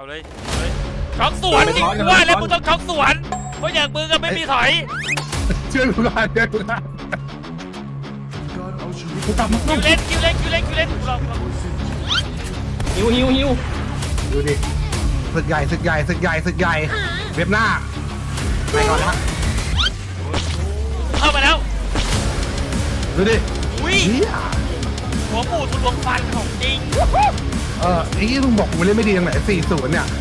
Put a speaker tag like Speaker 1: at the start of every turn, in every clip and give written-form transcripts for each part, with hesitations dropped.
Speaker 1: เอาเลยช็อกสวนจริงว่าแล้วมึงต้องช็อกสวนเพราะอย่างมึงก็ไม่มีถอย
Speaker 2: เชื่อกูก่อนเชื่อกูก่อนกูกลับมา
Speaker 1: คิวเล่นกูลอง
Speaker 3: หิว
Speaker 2: ดูดิศึกใหญ่เว็บหน้าไปก่อนนะ
Speaker 1: เข้ามาแล้ว
Speaker 2: ดูดิ
Speaker 1: อุ้ย
Speaker 2: เฮีย
Speaker 1: หัวหมูทุลวงฟันของจริง
Speaker 2: ไอ้ที่มึงบอกกูเล่นไม่ดีตรงไหน40เนี่ย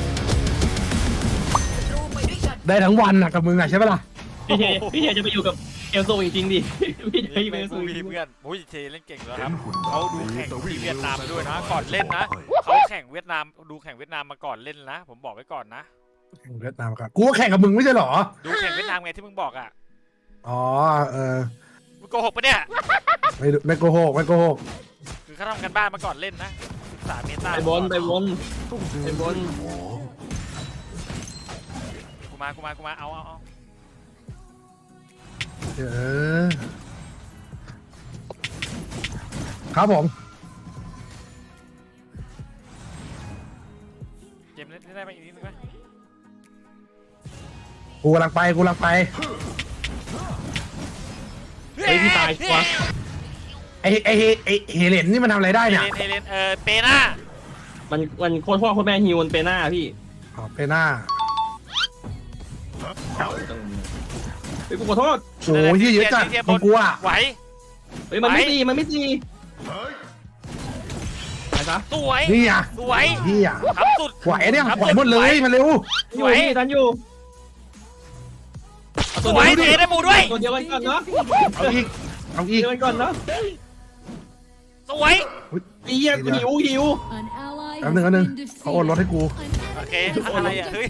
Speaker 2: ได้ทั้งวันนะกับมึงอะใช่ปะล่ะ
Speaker 3: พี่เทจะไปอยู่กับเอลโซจริงๆดิพี่จะไปอยู่กับเอลโซ
Speaker 1: เพื่อนโอ้ยเทเล่นเก่งแล้วครับเขาดูแข่งที่เวียดนามด้วยนะก่อนเล่นนะเขาแข่งเวียดนามดูแข่งเวียดนามมาก่อนเล่นนะผมบอกไว้ก่อนนะ
Speaker 2: เวียดนามครับกูก็แข่งกับมึงไม่ใช่หรอ
Speaker 1: ดูแข่งเวียดนามไงที่มึงบอกอ่ะ
Speaker 2: อ๋อ
Speaker 1: มึงโกหกปะเนี่ย
Speaker 2: ไม่โกหก
Speaker 1: คือเขาทำกันบ้านมาก่อนเล่นนะศึกษาเมตา
Speaker 3: ไปบน
Speaker 1: กูมาเอา
Speaker 2: ครับผม
Speaker 1: เกมเล่นได้ไหมอีกนิดนึงไหม
Speaker 2: กูกำลังไป
Speaker 3: เฮ้ยพี่ตายชัวร์
Speaker 2: ไอเฮเลนนี่มันทำอะไรได้เนี่ย
Speaker 1: เฮเลนเปน่า
Speaker 3: มันโคตรพ่อโคตรแม่ฮิวมันเปน่าพี่
Speaker 2: อ๋อเปน่า
Speaker 3: เฮ้ยกูขอโทษ
Speaker 2: โอ้ยเยอะจัดของกูอ่ะ
Speaker 1: ไหว
Speaker 3: เฮ้ยมันไม่ตีไปซะ
Speaker 1: สวย
Speaker 2: นี่อ่ะ
Speaker 1: สวย
Speaker 2: นี่อ่ะ
Speaker 1: ทำสุด
Speaker 2: ไหวเนี่ยไหวหมดเลยมาเร็ว
Speaker 3: สวยทันอยู่
Speaker 1: สวยเทได้หมูด้วย
Speaker 3: ตัวเดียวกันก่อนเนาะ
Speaker 2: เอาอีก
Speaker 3: เดียวกันก่อนเนาะ
Speaker 1: สวย
Speaker 3: ไอ้เหี้ยหิว
Speaker 2: แป๊บนึงเขาโอนรถให้กู
Speaker 1: โอเคอะไรอ่ะเฮ้ย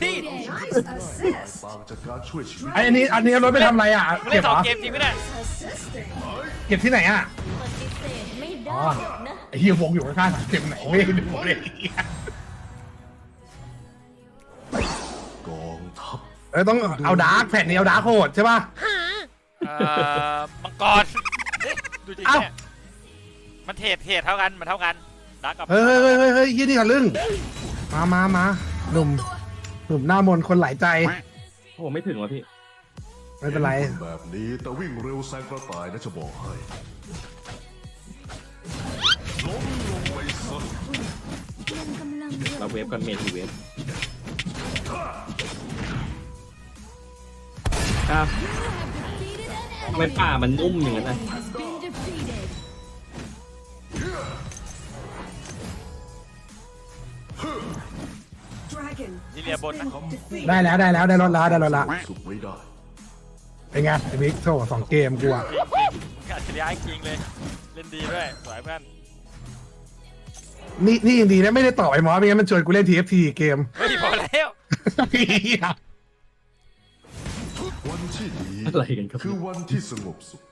Speaker 2: อันนี้รถไปทำอะไรอ่ะ
Speaker 1: เก็บ2 เกมจริงไหมเนี่ย
Speaker 2: เก็บที่ไหนอ่ะอ๋อไอ้เหี้ยวงอยู่ข้างๆเก็บไหนไม่ได้ดูเลยต้องเอาดาร์กแผ่นนี้เอาดาร์กโหดใช่ป่ะ
Speaker 1: มังกรดูจริงเนี่ยมันเทรดเท่ากันดาร์กกับ
Speaker 2: เฮ้ยยี่นี่กันลึ่งมาหนุ่มหน้ามนคนหลายใจ
Speaker 3: โอ้ไม่ถึงวะพี่
Speaker 2: ไม่เป็นไร
Speaker 4: แบบนี้แต่วิ่งเร็วแซงกระต่ายนะจะบอกให้ล้มลงไปซะ
Speaker 3: เราเวฟกันเมทีเวฟทำไมป่ามันนุ่มอย่างนั้นนะ
Speaker 1: ยิเลียบนนะ
Speaker 2: ได้รถแล้ว
Speaker 4: สุดไม่ได้
Speaker 2: เป็นไงไอ้บิ๊กโซ่2 เกมกูอ่ะ
Speaker 1: อัจฉริยะจริงเลยเล่นดีด้วยสวยเพื่อน
Speaker 2: นี่ยังดีนะไม่ได้ต่อไอ้หมอไม่งั้นมันชวนกูเล่น TFT เกม
Speaker 1: เฮ้ยพอแล้ว
Speaker 4: วันที่ดี
Speaker 3: อะไรกันครับ
Speaker 4: คือวันที่สงบสุข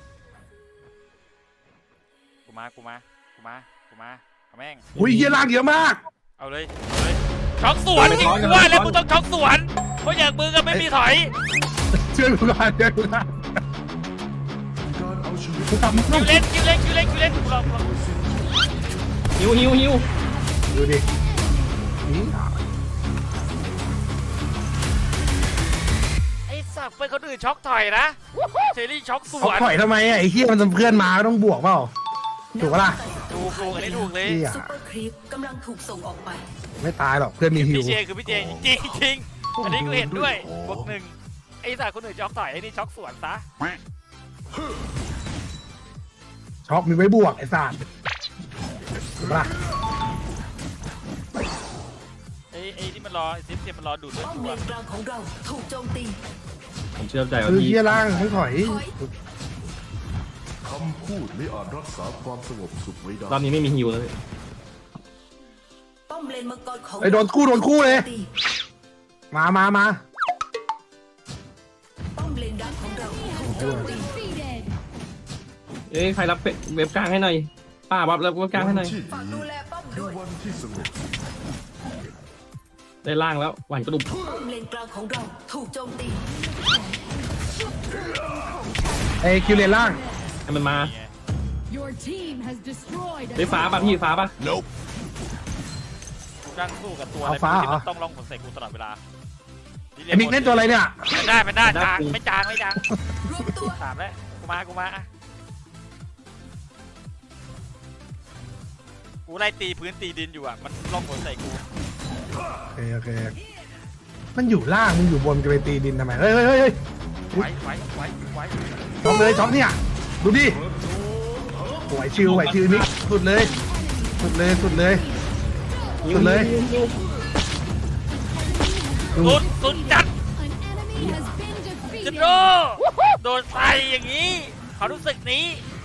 Speaker 1: กูมาแม่ง
Speaker 2: อุ้ยเฮียล่างเยอะมาก
Speaker 1: เอาเลยช็อกสวนจริงว่าแล้วมึงต้องช็อกสวนเพราะอย่างมึงก็ไม่มีถอย
Speaker 2: เชื่อกูก่อนกูกลับมา
Speaker 1: คิวเล่นกูลอง
Speaker 3: หิว
Speaker 2: ดูดิ
Speaker 1: ไอ้สับเป็นคนอื่นช็อกถอยนะเชอรี่ช็อกสวน
Speaker 2: ถอยทำไมไอ้เฮียมันเพื่อนมาต้องบวกเปล่าถูกปะล่ะ
Speaker 1: ถูกอันนี้ถูกเลย
Speaker 5: ซุปเปอร์ครีปกำลังถูกส่งออกไป
Speaker 2: ไม่ตายหรอกเพื่อนมีฮิว
Speaker 1: พี่เจคือพี่เจจริงอันนี้กูเห็นด้วยบวก1ไอ้สัตว์คนอื่นช็อกถอยไอ้นี่ช็อกสวนซะ
Speaker 2: ช็อกมีไว้บวกไอ้สัตว์ถูกปะล่ะ
Speaker 1: ไอ้ที่มันรอไอ้ซิฟมันรอดูดเลือด
Speaker 5: ป้อมเลนกลางของเราถูกโจมตี
Speaker 3: ผมเชื่อใจว่า
Speaker 2: พี่เฮียล่างต้องถอย
Speaker 4: คำพูดไม่อาจรักษาความสงบสุขไว้ได้
Speaker 3: รอบนี้ไม่มีฮิวเลย
Speaker 5: ป้อมเลนมังกรของ
Speaker 2: ไอ้โดนคู่เลยมา
Speaker 5: ป้อมเลนดักของเราถูกโจมตี
Speaker 3: ใครรับเว็บกลางให้หน่อยป้ารับเว็บกลางให้หน่อย
Speaker 5: ฝากดูแลป้อมด้วย
Speaker 4: วันที่สงบ
Speaker 3: ได้ล่างแล้วหวานกระดุม
Speaker 5: ป้อมเลนกลางของเราถูกโจมตี
Speaker 2: ไอ้คิวเลนล่าง
Speaker 3: ให้มันมาได้ฟ้าป่ะพี่ฟ้าป่ะ
Speaker 1: นั่งสู้กับตัวอะ
Speaker 2: เอา
Speaker 1: ไร
Speaker 2: ฟ้า
Speaker 1: ที่
Speaker 2: เหรอ
Speaker 1: มันต้องร้องผลใส่กูตลอดเวลา
Speaker 2: ไอ้มิกเล่นตัวอะไรเนี่ย
Speaker 1: ไม่ได้จางไม่จาง
Speaker 5: รวมตัว
Speaker 1: ถามแล้วกูมาอะกูไล่ตีพื้นตีดินอยู่อ่ะมันร้องผลใส่กู
Speaker 2: โอเคมันอยู่ล่างมึงอยู่บนจะไปตีดินทำไมเฮ้ย
Speaker 1: ไว้
Speaker 2: ช็อปเลยช็อปเนี่ยดูดิไหวชิวมิกสุดเลยสุดเลย
Speaker 3: ยิง
Speaker 2: สุดเลย
Speaker 3: ยิง
Speaker 1: สุดจัดจะโดนใส่อย่างนี้เขารู้สึกนี้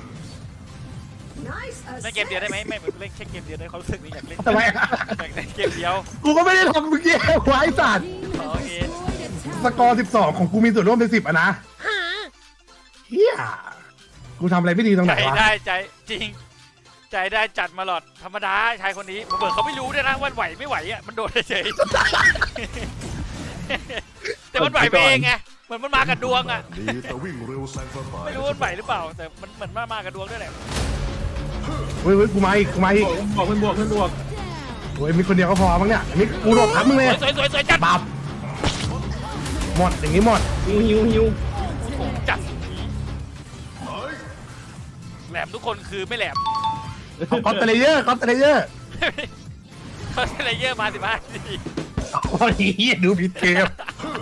Speaker 1: เล่นเกมเดียวได้ไหมไม่เล่นแค่เกมเดียวได้เขารู้สึกนี้อยากเล่น
Speaker 2: ทำไม
Speaker 1: อยากเล่นเกมเดียว
Speaker 2: กูก็ไม่ได้ทำเมื่อกี้ไว้สัตว์
Speaker 1: โอเค
Speaker 2: สกอร์12ของกูมีส่วนร่วมเป็น10อ่ะนะเฮียกูทำอะไรไม่ดีตรงไห
Speaker 1: ใจ
Speaker 2: นวะ
Speaker 1: ได้ใจจริง ใจได้จัดมาหลอดธรรมดาชายคนนี้เบิร์เขาไม่รู้ด้วยนะว่าไหวไม่ไหวอ่ะมันโดนเฉยแต่มันไหวไปเองไงเหมือนมันมากับดวงอ่ะ
Speaker 4: นี้แต่วิ่งเร็วแซงกระต่าย
Speaker 1: ไม่รู้ว่ามันไหวหรือเปล่าแต่มันเหมือนมากับดวงด้วยแหละ
Speaker 2: เฮ้ยกูมาอีก
Speaker 3: บวกเพื่อนบวก
Speaker 2: โอ้ยมีคนเดียวก็พอมั้งเนี่ยมิกกูโดดทับมึงเลย
Speaker 1: สวยจัด
Speaker 2: บับหมดอย่างนี้หมด
Speaker 3: หิว
Speaker 1: จัดแหลมทุกคนคือไม่แหลม
Speaker 2: คอสเตเลเยอร์
Speaker 1: เขาเซเลเยอร์มา15ที
Speaker 2: โอ้ยเหี้ยดูผิดเกม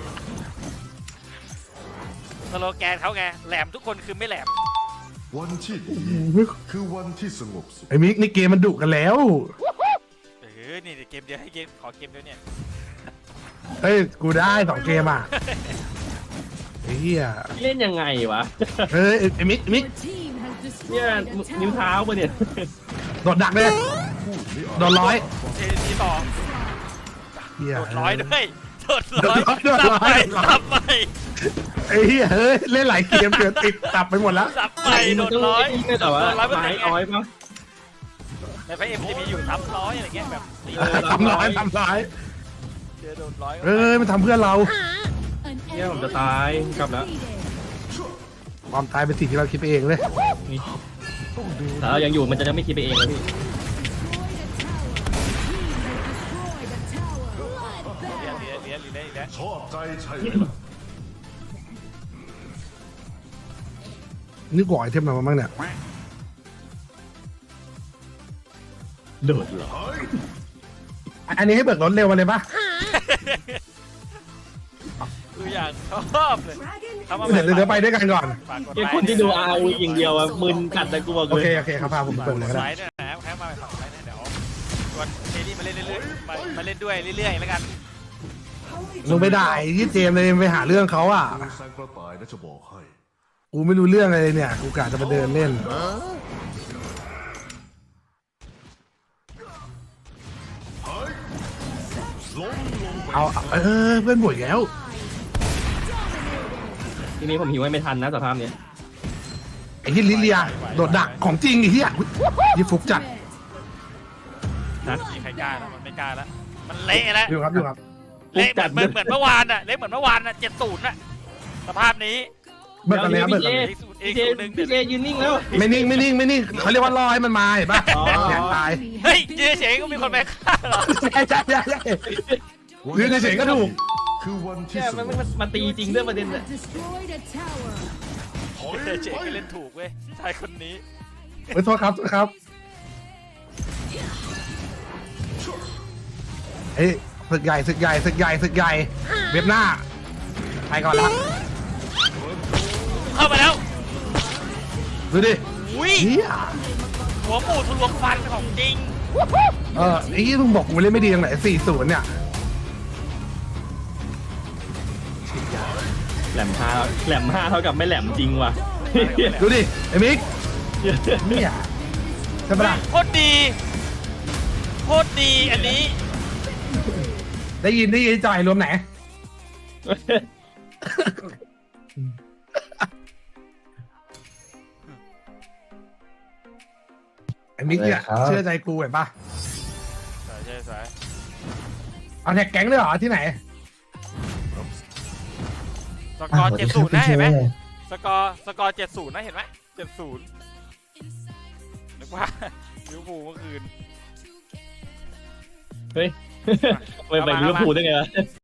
Speaker 1: สโลแกนเขาไงแหลมทุกคนคือไม่แหลม
Speaker 4: วันที่ดีคือวันที่สงบสุข
Speaker 2: ไอ้มิกนี่เกมมันดุกันแล้ว
Speaker 1: นี่เกมเดียวให้เกมขอเกมเดียวเนี่ย
Speaker 2: เฮ้ยกูได้2 เกมอ่ะไอ้เหี้ย
Speaker 3: เล่นยังไงวะ
Speaker 2: เฮ้ยไอ้มิก
Speaker 3: เนี่ยนิ้วเท้าปะเนี่ย
Speaker 2: โดดดักเลยโดนร้อย
Speaker 1: ทีต่อ
Speaker 2: เหี้ย
Speaker 1: โดดร้อยด้วยโดด
Speaker 2: โด
Speaker 1: ร้อย
Speaker 2: ดร้อย
Speaker 1: สับไป
Speaker 2: ไอ้เหี้ยเฮ้ยเล่นหลายเกมเกินติดตับไปหมดแล้ว
Speaker 1: สับไปโดดร้อย
Speaker 3: ไม่แต่ว่า
Speaker 1: โดดร้อยเป็น
Speaker 3: ไม้
Speaker 1: ไง
Speaker 3: อ้อยปะ
Speaker 1: ในไฟเอ็มจะมีอยู่ทับร้อยอะไรเงี้ยแบบตี
Speaker 2: ทำร้าย
Speaker 1: เจอโดดร้อย
Speaker 2: เอ้ยมันทำเพื่อนเรา
Speaker 3: เนี่ยผมจะตายกลับแล้ว
Speaker 2: ความตายเป็นสิ่งที่เราคิดไปเองเลย
Speaker 3: ถ้าเรายังอยู่มันจะไม่คิดไปเองแล้วพี่
Speaker 1: เลี้ยอีกแล้ว
Speaker 4: ชอบใจใช่ไหมล่ะ
Speaker 2: นี่ก่อไอเทมมาบ้างเนี่ย
Speaker 3: โดดเหรอ
Speaker 2: อันนี้ให้เบิกรถเร็วมาเลยปะ
Speaker 1: คืออย่างชอบเลยทำมา
Speaker 2: เดี๋ยวไปด้วยกันก่อน
Speaker 3: ไอ้คนที่ดูอาวีอย่างเดียวอะมึนกัดแต่กูบอก
Speaker 2: โอ
Speaker 3: เลย
Speaker 2: เคครับพาผมเปิดเลยก็
Speaker 1: ไล
Speaker 2: ได้
Speaker 1: น์ด้วยนะแค่มาฝั่งไลน์เดี๋ยวชวนเคนี่มาเล่นเรื่อยๆมาเล่นด้วยเรื่อยๆแล้วกัน
Speaker 2: มึงไปด่าที่เจมเลยไปหาเรื่องเขาอ่ะ
Speaker 4: เร็วแซงกระต่ายนะจะบอกให้
Speaker 2: กูไม่รู้เรื่องอะไรเลยเนี่ย กูกะจะมาเดินเล่น เอาเพื่อนบ่วยแล้ว
Speaker 3: ทีนี้ผมหิวไม่ทันนะสภาพเนี้ย
Speaker 2: ไอ้ที่ลิเลียโดดดักของจริงไอ้เหี้ยยี่ฟุกจัด
Speaker 1: มีใครกล้าแล้วมันไม่กล้าแล้วมันเละแล้ว
Speaker 2: อยู่ครับ
Speaker 1: เละเหมือนเมื่อวานอ่ะเละเหมือนเมื่อวานอ่ะ70น่ะสภาพนี้
Speaker 2: เบิกกันแล้วเบิกกันแล้ว
Speaker 3: พี่เจยืนนิ่งแล้ว
Speaker 2: ไม่นิ่งเขาเรียกว่ารอให้มันมาเห็นป่ะ
Speaker 3: อ๋อ
Speaker 2: อยากตาย
Speaker 1: เฮ้ยยืนเฉยก็มีคนไปฆ่าเหรอ
Speaker 2: ใช่ยืนเฉยๆก็ถูก
Speaker 4: คือวันที่
Speaker 3: แค่
Speaker 4: สงบ
Speaker 3: มันมาตีจริงด้วยประเด็นเลย
Speaker 1: ยืนเฉยก็เล่นถูกเว้ยชายคนนี้
Speaker 2: เฮ้ยโทษครับเฮ้ยศึกใหญ่เว็บหน้าไปก่อนละ
Speaker 1: เข้ามาแล้ว
Speaker 2: ดูดิ
Speaker 1: อุ้ย
Speaker 2: เฮีย
Speaker 1: หัวหมูทะลวงฟันของจริง
Speaker 2: ไอ้ที่มึงบอกกูเล่นไม่ดีตรงไหน40เนี่ย
Speaker 3: แหลมห้าเท่ากับไม่แหลมจริงว่ะ
Speaker 2: ดูดิไอ้มิกเนี่ยใช่ปะล่ะ
Speaker 1: โคตรดีอันนี้
Speaker 2: ได้ยินจ่ายรวมไหนไอ้มิกเนี่ยเชื่อใจกูเห็นปะ
Speaker 1: ใช่
Speaker 2: เอาแท็กแก๊งด้วยเหรอที่ไหน
Speaker 1: สกอร์70นะเห็นไหมสกอร์70นะเห็นไหม70นึกว่าลิเวอร์พูลเมื่อคืน
Speaker 3: เฮ้ยไปลิเวอร์พูลได้ไงวะ